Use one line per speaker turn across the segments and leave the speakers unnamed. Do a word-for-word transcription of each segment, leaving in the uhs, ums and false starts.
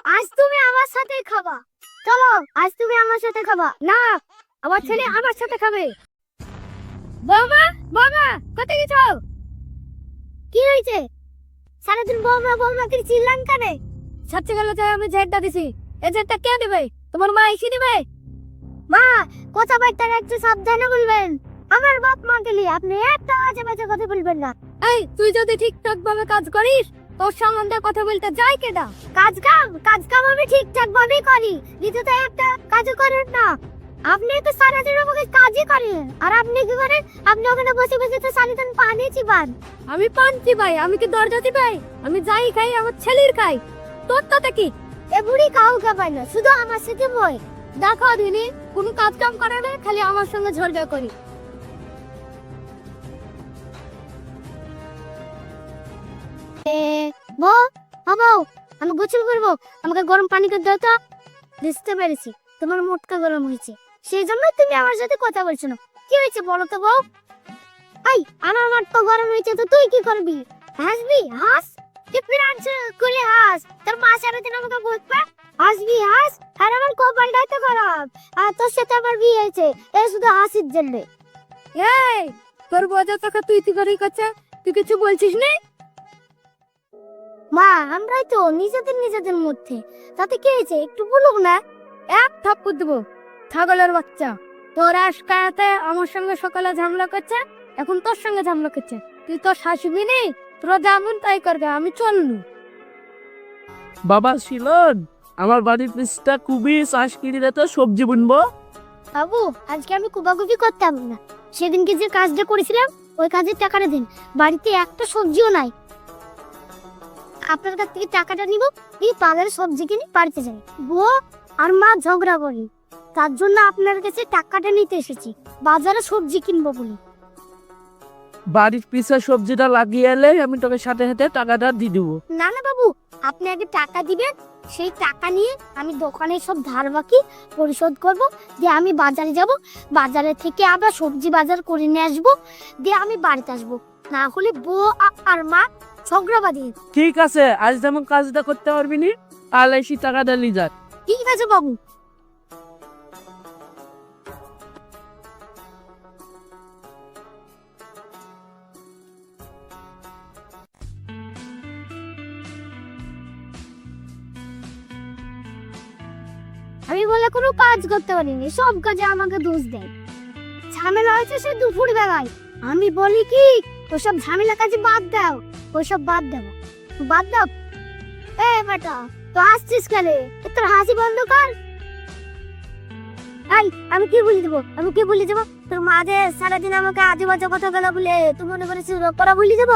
আজ তুমি আমার সাথে খাবা। চলো, আজ তুমি আমার সাথে খাবা। না, আমার ছেলে আমার সাথে খাবে। বাবা, বাবা, কোথায় গেছো? কি হয়েছে? সারাদিন বৌমা বৌমা করে চিল্লান কেন? সত্যি গেল যে আমি জেডটা দিছি। এই জেডটা কে দিবে? তোমার মা এসে দিবে? মা, কথাবার্তা একটু সাবধানে বলবেন। আমার বাপ মা গেলি আপনি একটা আজে বাজে কথা বলবেন না। এই, তুই যদি ঠিকঠাক ভাবে কাজ করিস, তোর সম্বন্ধে কথা বলতে যাই কেডা? কাজ কাম কাজ কাম আমি ঠিকঠাক ভাবেই করি, কিন্তু তো একটা কাজও করেন না। আপনি তো সারাদিন আমাকে কাজই করেন, আর আপনি কি করেন? আপনি ওখানে বসে বসে তো সারাদিন পানি চিবান। আমি পান চিবাই? আমি কি দরজা চিবাই? আমি যাই খাই আমার ছেলের খাই। তোর তাতে কি? এ বুড়ি কাউকে পায় না, শুধু আমার সাথে বই। দেখো দিনি, কোনো কাজ কাম করে না, খালি আমার সঙ্গে ঝগড়া করি। বো, বাবু, আমি গোসল করবো, আমাকে গরম পানি করে দাও তো। বুঝতে পেরেছি, তোমার মোটকা গরম হয়েছে, সেই জন্য তুমি আমার সাথে কথা বলছো না। কি হয়েছে বলো তো বউ? এই, আমার মোটকা গরম হয়েছে তো তুই কি করবি? হাসবি? হাস। তুই ফিরান্স খুলে হাস, তোর মা সারাদিন আমাকে বকবে। হাসবি হাস, আর আমার কপালটাই তো খারাপ, আর তোর সাথে আমার বিয়ে হয়েছে এই শুধু হাসির জন্য। এই, তোর বজা তোকে তুই তুই করেই করছে, তুই কিছু বলছিস না? মা, আমরাই তো নিজেদের নিজেদের মধ্যে, তাতে কি হয়েছে একটু বলুক না। এক থাপ্পড় দেবো, ছাগলের বাচ্চা। তোর আজকাতে আমার সঙ্গে সকালে ঝামেলা করছে, এখন তোর সঙ্গে ঝামেলা করছে। তুই তোর শাশুড়ি নেই, তোরা যেমন তাই করবে, আমি চলনু।
বাবা শিলন, আমার বাড়ির পিছটা খুবই চাষ কিনে তো সবজি বুনবো।
বাবু, আজকে আমি কুবাকুবি করতাম না, সেদিনকে যে কাজটা করেছিলাম ওই কাজের টাকাটা দিন। বাড়িতে একটা সবজিও নাই, আপনার কাছ থেকে টাকাটা নিব, এই বাজারে সবজি কিনে বাড়িতে যাই। বউ আর মা ঝগড়া করি, তার জন্য আপনার কাছে টাকাটা নিতে এসেছি, বাজারে সবজি কিনবো বলে।
বাড়ির পিছা সবজিটা লাগিয়ে এলে আমি তোকে সাথে সাথে টাকাটা দিয়ে দেবো।
না না বাবু, আপনি আগে টাকা দিবেন, সেই টাকা নিয়ে আমি দোকানে সব ধার বাকি পরিশোধ করব, দিয়ে আমি বাজারে যাব, বাজারে থেকে আবার সবজি বাজার করে নিয়ে আসবো, দিয়ে আমি বাড়িতে আসবো। না হলে বউ আর মা ঝগড়া বাঁধে।
ঠিক আছে, আজ যেমন কাজটা করতে পারবি নি, আর এসি টাকাটা নিয়ে যা।
ঠিক আছে বাবু। আমি বলে কোনো কাজ করতে পারিনি, সব কাজে আমাকে দোষ দেয়। ঝামেলা হয়েছে সে দুপুর বেলায়, আমি বলি কি ওসব ঝামেলা কাজে বাদ দাও, ওসব বাদ দাও, বাদ দাও। এ বেটা, তো হাসছিস কেন? তোর হাসি বন্ধ কর। এই, আমি কি বলে দেবো? আমি কি বলে দেবো? তোর মা যে সারাদিন আমাকে আজে বাজে কথা বলা বলে তুই মনে করেছিস করা বলে দেবো?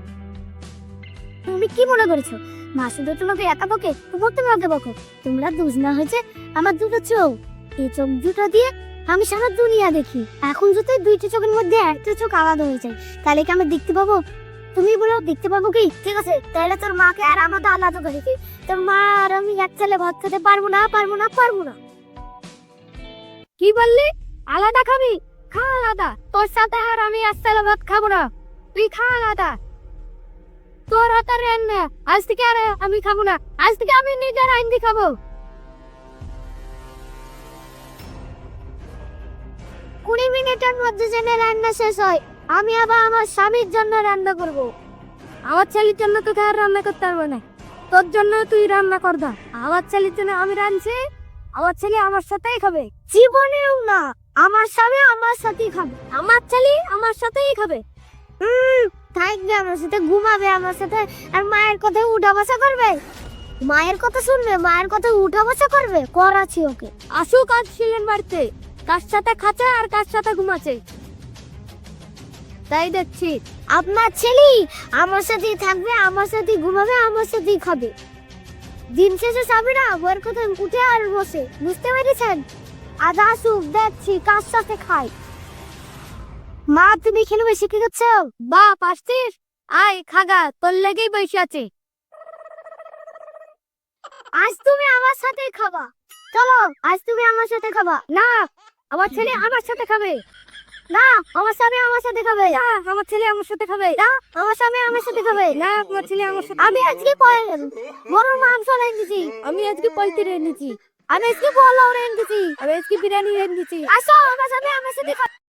তুমি কি মনে করেছো মা শুধু তোমাকে একা বকে? তোমার তোমাকে বকো। তোমরা দুজ না হয়েছে আমার দুটো চোখ, এই চোখ দুটো দিয়ে আমি সারা দুনিয়া দেখি। এখন যদি দুইটা চোখের মধ্যে একটা চোখ আলাদা হয়ে যায়, তাহলে কি আমি দেখতে পাবো? তুমি বলো দেখতে পাবো কি? ঠিক আছে, তাহলে তোর মাকে আর আমাকে আলাদা করে দিই। তোর মা আর আমি এক ছেলে ভাত খেতে পারবো না, পারবো না, পারবো না। কি বললি? আলাদা খাবি? খা আলাদা, তোর সাথে আর আমি এক ছেলে ভাত খাবো না, তুই খা আলাদা। তোর হাতের রান্না আজ থেকে আর আমি খাবো না, আজ থেকে আমি নিজের আইন দিয়ে খাবো। কুড়ি মিনিটের মধ্যে যেন রান্না শেষ হয়, আমি আবার আমার স্বামীর জন্য রান্না করব। আমার ছেলের জন্য তোকে আর রান্না করতে পারবো না, তোর জন্য তুই রান্না কর দা। আমার ছেলের জন্য আমি রাঁধছি, আমার ছেলে আমার সাথেই খাবে। জীবনেও না, আমার স্বামী আমার সাথেই খাবে, আমার ছেলে আমার সাথেই খাবে। হুম, থাকবে আমার সাথে, ঘুমাবে আমার সাথে, আর মায়ের কথা উঠা বসা করবে। মায়ের কথা শুনবে, মায়ের কথা উঠা বসা করবে, করাচ্ছি ওকে। আসুক আজ ছিলেন বাড়িতে, কার সাথে খাচ্ছে আর কার সাথে ঘুমাচ্ছে তাই দেখছি। আপনার ছেলে আমার সাথেই থাকবে, আমার সাথেই ঘুমাবে, আমার সাথেই খাবে। দিন শেষে যাবে না ওর কথা উঠে আর বসে, বুঝতে পেরেছেন? আজ আসুক, দেখছি কার সাথে খাই। মা, তুমি এখানে বসে কি করছো? বাপ আসছিস? আয় খাগা, তোর লেগেই বসে আছে। আজ তুমি আমার সাথে খাবা। চলো, আজ তুমি আমার সাথে খাবা। না, আমার ছেলে আমার সাথে খাবে। না আমার স্বামী আমার সাথে খাবে না আমার ছেলে আমার সাথে খাবে না আমার স্বামী আমার সাথে খাবে না আমার ছেলে আমার সাথে আমি আজকে গরুর মাংস রেঁধেছি আমি আজকে পৈতে রেঁধেছি আমি আজকে পোলাও রেঁধেছি আমি আজকে বিরিয়ানি রেঁধেছি আসো আমার স্বামী আমার সাথে খাবে